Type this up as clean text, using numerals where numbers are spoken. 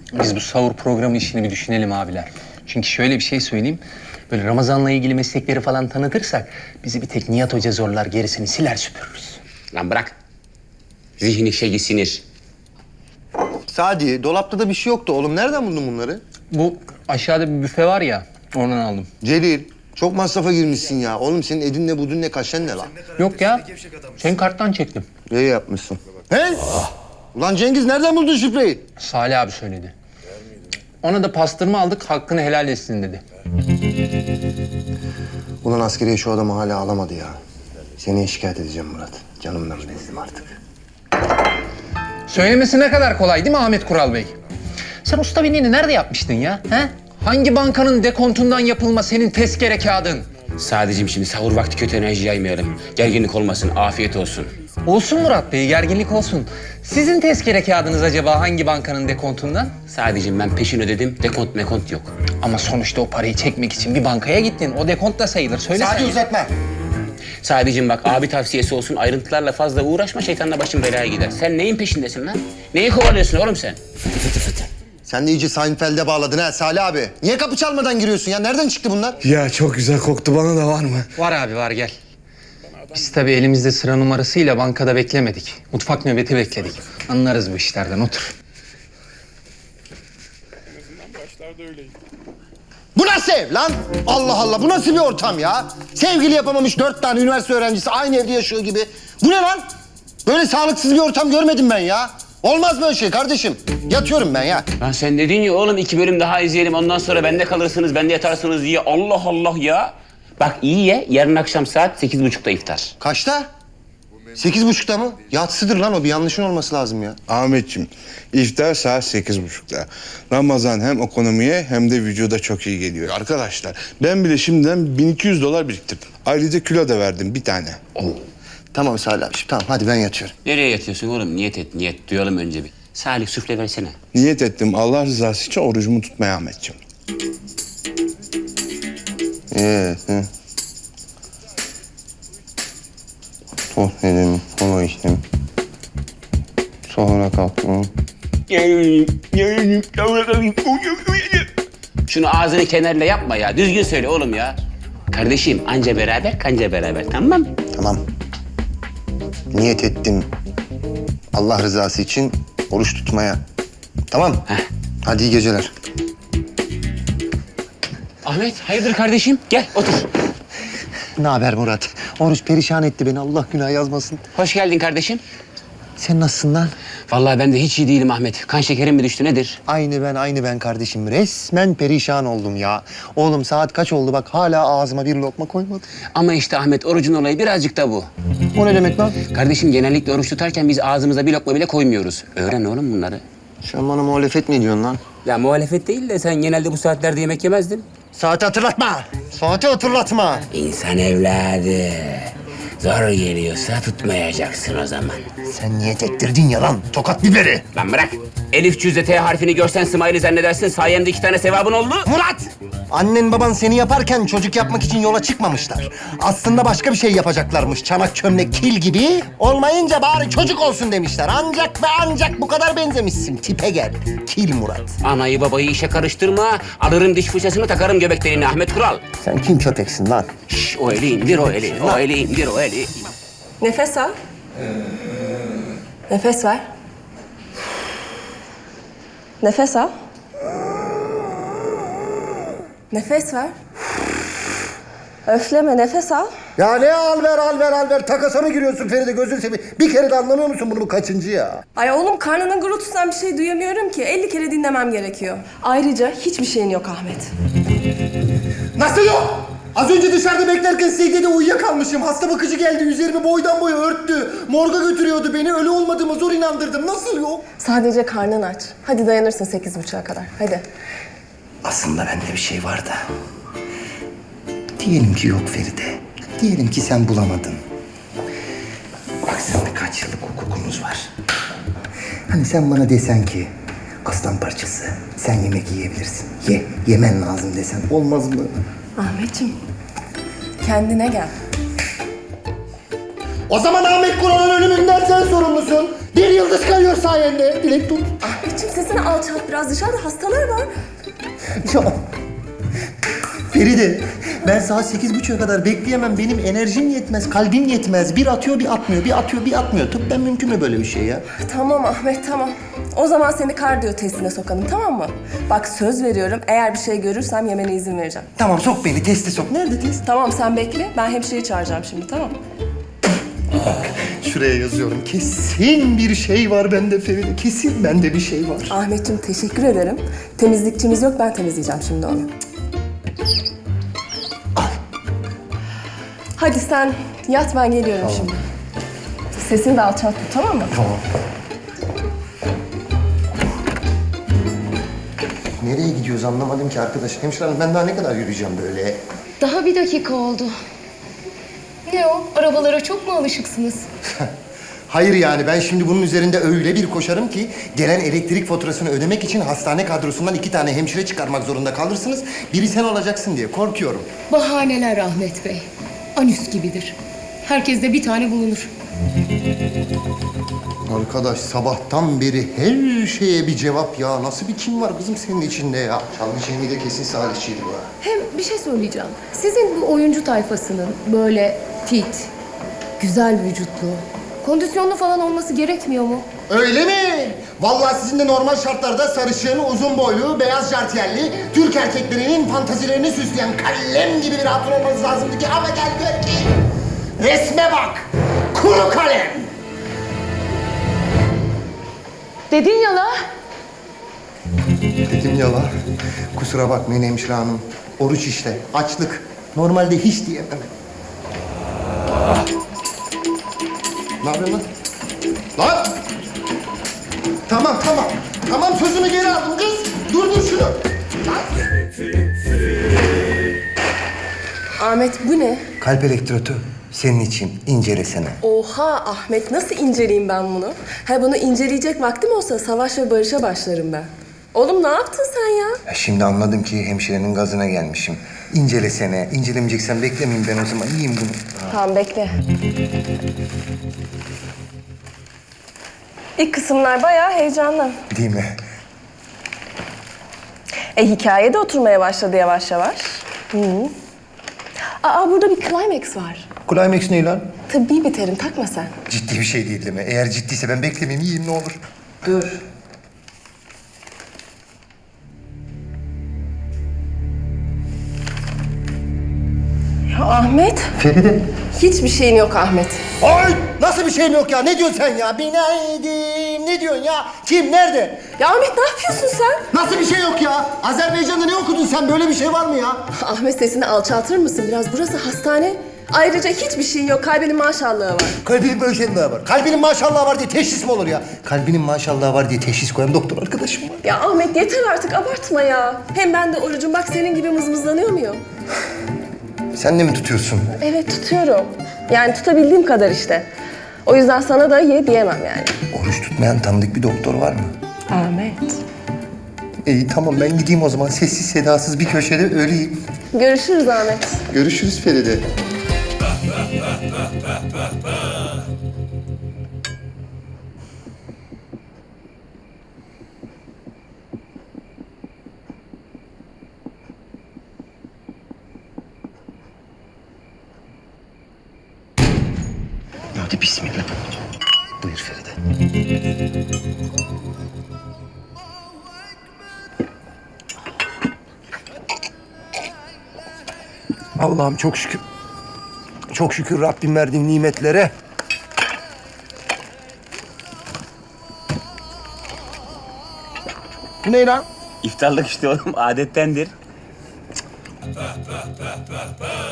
Biz bu sahur programı işini bir düşünelim abiler. Çünkü şöyle bir şey söyleyeyim. Böyle Ramazan'la ilgili meslekleri falan tanıtırsak bizi bir tek Nihat Hoca zorlar, gerisini siler süpürürüz. Lan bırak. Zihni şeyi sinir. Sadi, dolapta da bir şey yoktu oğlum. Nereden buldun bunları? Bu aşağıda bir büfe var ya, oradan aldım. Celil, çok masrafa girmişsin ya. Oğlum senin edin ne budun ne kaşen ne lan? Yok ya, senin karttan çektim. İyi yapmışsın. He? Ulan Cengiz nereden buldun şifreyi? Salih abi söyledi. Ona da pastırma aldık, hakkını helal etsin dedi. Ulan askeriye şu adamı hala alamadı ya. Seni şikayet edeceğim Murat. Canımdan bezdim artık. Söylemesi ne kadar kolay değil mi Ahmet Kural Bey? Sen usta binliğini nerede yapmıştın ya? He? Hangi bankanın dekontundan yapılma senin tezkere kağıdın? Sadece şimdi sahur vakti kötü enerji yaymayalım. Gerginlik olmasın, afiyet olsun. Olsun Murat Bey, gerginlik olsun. Sizin tezkere kağıdınız acaba hangi bankanın dekontundan? Sadece ben peşin ödedim, dekont mekont yok. Ama sonuçta o parayı çekmek için bir bankaya gittin. O dekont da sayılır. Söyle Sadi sen. uzatma. Sadece bak abi tavsiyesi olsun, ayrıntılarla fazla uğraşma, şeytanla başın belaya gider. Sen neyin peşindesin lan? Neyi kovalıyorsun oğlum sen? Sen de iyice Seinfeld'e bağladın ha Salih abi. Niye kapı çalmadan giriyorsun ya? Nereden çıktı bunlar? Ya çok güzel koktu, bana da var mı? Var abi var, gel. Biz tabii elimizde sıra numarasıyla bankada beklemedik. Mutfak nöbeti bekledik. Anlarız bu işlerden, otur. Bu nasıl ev lan? Allah Allah, bu nasıl bir ortam ya? Sevgili yapamamış 4 tane üniversite öğrencisi aynı evde yaşıyor gibi. Bu ne lan? Böyle sağlıksız bir ortam görmedim ben ya. Olmaz böyle şey kardeşim. Yatıyorum ben ya. Lan sen dedin ya oğlum 2 bölüm daha izleyelim, ondan sonra bende kalırsınız, bende yatarsınız diye. Allah Allah ya. Bak iyi ye, yarın akşam saat 8.30'da iftar. Kaçta? 8.30'da mı? Yatsıdır lan o, bir yanlışın olması lazım ya. Ahmetciğim, iftar saat 8.30'da. Ramazan hem ekonomiye hem de vücuda çok iyi geliyor. Arkadaşlar, ben bile şimdiden $1200 biriktirdim. Ayrıca kilo da verdim bir tane. Tamam Salih abi, tamam hadi ben yatıyorum. Nereye yatıyorsun oğlum? Niyet et, niyet. Duyalım önce bir. Salih süfle versene. Niyet ettim Allah rızası için orucumu tutmaya Ahmetciğim. Hı. Tohnedim, kola içtim. Sonra kalktım. Şunu ağzını kenarla yapma ya. Düzgün söyle oğlum ya. Kardeşim anca beraber kanca beraber, tamam mı? Tamam. Niyet ettim. Allah rızası için oruç tutmaya. Tamam. Heh. Hadi iyi geceler. Ahmet hayırdır kardeşim? Gel otur. Ne haber Murat? Oruç perişan etti beni. Allah günah yazmasın. Hoş geldin kardeşim. Sen nasılsın lan? Vallahi ben de hiç iyi değilim Ahmet. Kan şekerim mi düştü nedir? Aynı ben kardeşim. Resmen perişan oldum ya. Oğlum saat kaç oldu bak, hala ağzıma bir lokma koymadım. Ama işte Ahmet orucun olayı birazcık da bu. O ne demek lan? Kardeşim genellikle oruç tutarken biz ağzımıza bir lokma bile koymuyoruz. Öğren oğlum bunları. Sen bana muhalefet mi ediyorsun lan? Ya muhalefet değil de sen genelde bu saatlerde yemek yemezdin. Saati hatırlatma. Saati hatırlatma. İnsan evladı. Zor geliyorsa tutmayacaksın o zaman. Sen niyet ettirdin ya lan. Tokat biberi. Lan bırak. Elif cüzde T harfini görsen Smiley zannedersin. Sayemde 2 tane sevabın oldu. Murat! Annen baban seni yaparken çocuk yapmak için yola çıkmamışlar. Aslında başka bir şey yapacaklarmış. Çanak çömlek kil gibi. Olmayınca bari çocuk olsun demişler. Ancak ve ancak bu kadar benzemişsin. Tipe gel. Kil Murat. Anayı babayı işe karıştırma. Alırım diş fırçasını takarım göbek deliğine Ahmet Kural. Sen kim köpeksin lan? Şş, o eli indir o eli. O eli indir o eli. Nefes al. Nefes ver. Nefes al. Nefes ver. Öfleme, nefes al. Ya ne al ver. Takasa mı giriyorsun Feride, gözünü seveyim. Bir kere de anlamıyor musun bunu, bu kaçıncı ya? Ay oğlum, karnının gurultusundan bir şey duyamıyorum ki. 50 kere dinlemem gerekiyor. Ayrıca hiçbir şeyin yok Ahmet. Nasıl yok? Az önce dışarıda beklerken secdede uyuyakalmışım. Hasta bakıcı geldi, üzerimi boydan boya örttü. Morga götürüyordu beni, ölü olmadığıma zor inandırdım. Nasıl yok? Sadece karnın aç. Hadi dayanırsın 8.30'a kadar. Hadi. Aslında bende bir şey var da. Diyelim ki yok Feride. Diyelim ki sen bulamadın. Bak seninle kaç yıllık hukukumuz var. Hani sen bana desen ki aslan parçası sen yemek yiyebilirsin. Yemen lazım desen olmaz mı? Ahmetciğim, kendine gel. O zaman Ahmet Kural'ın ölümünden sen sorumlusun. Bir yıldız kayıyor sayende. Dilek tut. Ahmet. Ahmetciğim sesini alçalt biraz. Dışarıda hastalar var. Ya, Feride, ben saat 8.30'a kadar bekleyemem. Benim enerjim yetmez, kalbim yetmez. Bir atıyor, bir atmıyor, bir atıyor, bir atmıyor. Tıbben mümkün mü böyle bir şey ya? Tamam Ahmet, tamam. O zaman seni kardiyo testine sokalım, tamam mı? Bak söz veriyorum, eğer bir şey görürsem yemene izin vereceğim. Tamam, sok beni, teste sok. Nerede test? Tamam, sen bekle. Ben hemşireyi çağıracağım şimdi, tamam mı? Şuraya yazıyorum. Kesin bir şey var bende Feride. Kesin bende bir şey var. Ahmetciğim teşekkür ederim. Temizlikçimiz yok, ben temizleyeceğim şimdi onu. Hadi sen yat, ben geliyorum şimdi. Sesini de alçalt tut, tamam mı? Tamam. Nereye gidiyoruz anlamadım ki arkadaş. Hemşire hanım, ben daha ne kadar yürüyeceğim böyle? Daha bir dakika oldu. Ne o? Arabalara çok mu alışıksınız? Hayır yani ben şimdi bunun üzerinde öyle bir koşarım ki gelen elektrik faturasını ödemek için hastane kadrosundan 2 tane hemşire çıkarmak zorunda kalırsınız. Biri sen olacaksın diye korkuyorum. Bahaneler Ahmet Bey. Anüs gibidir. Herkeste bir tane bulunur. Arkadaş sabahtan beri her şeye bir cevap ya. Nasıl bir kim var kızım senin içinde ya? Çalgı Cemil de kesin Salihçiydi bu. Hem bir şey söyleyeceğim. Sizin bu oyuncu tayfasının böyle fit, güzel vücutlu, kondisyonlu falan olması gerekmiyor mu? Öyle mi? Vallahi sizin de normal şartlarda sarışın, uzun boylu, beyaz jartiyerli, Türk erkeklerinin fantazilerini süsleyen kalem gibi bir hatun olmanız lazımdı ki ama gel gör ki resme bak, kuru kalem. Dedin ya la. Dedim ya la, kusura bakmayın hemşire hanım. Oruç işte, açlık. Normalde hiç diyemem. Ne yapıyorsun lan? Lan! Tamam, tamam. Tamam, sözümü geri aldım kız. Durdur şunu. Lan! Ahmet bu ne? Kalp elektrotu senin için incelesene. Oha Ahmet, nasıl inceleyeyim ben bunu? Ha, bunu inceleyecek vaktim olsa savaş ve barışa başlarım ben. Oğlum ne yaptın sen ya? Ya şimdi anladım ki hemşirenin gazına gelmişim. İncelesene. İncelemeyeceksen beklemeyeyim ben o zaman. Yiyeyim bunu. Tamam bekle. İlk kısımlar bayağı heyecanlı. Değil mi? Hikaye de oturmaya başladı yavaş yavaş. Aa burada bir climax var. Climax ne lan? Tıbbi bir terim, takma sen. Ciddi bir şey değil mi? Eğer ciddiyse ben beklemeyeyim. Yiyeyim ne olur. Dur. Ya Ahmet, Feride. hiçbir şeyin yok Ahmet. Ay! Nasıl bir şeyim yok ya? Ne diyorsun sen ya? Binaydın. Ne diyorsun ya? Kim? Nerede? Ya Ahmet ne yapıyorsun sen? Nasıl bir şey yok ya? Azerbaycan'da ne okudun sen? Böyle bir şey var mı ya? Ahmet sesini alçaltır mısın biraz? Burası hastane. Ayrıca hiçbir şeyin yok. Kalbinin maşallahı var. Kalbinin maşallahı var. Kalbinin maşallahı var diye teşhis mi olur ya? Kalbinin maşallahı var diye teşhis koyan doktor arkadaşım var. Ya Ahmet yeter artık abartma ya. Hem ben de orucum bak senin gibi mızmızlanıyor muyum? Sen de mi tutuyorsun? Evet tutuyorum. Yani tutabildiğim kadar işte. O yüzden sana da ye diyemem yani. Oruç tutmayan tanıdık bir doktor var mı? Ahmet. İyi tamam ben gideyim o zaman. Sessiz sedasız bir köşede öleyim. Görüşürüz Ahmet. Görüşürüz Feride. Hadi bismillah. Buyur Feride. Allah'ım çok şükür. Çok şükür Rabbim verdiğin nimetlere. Bu ne lan? İftarlık işte oğlum adettendir.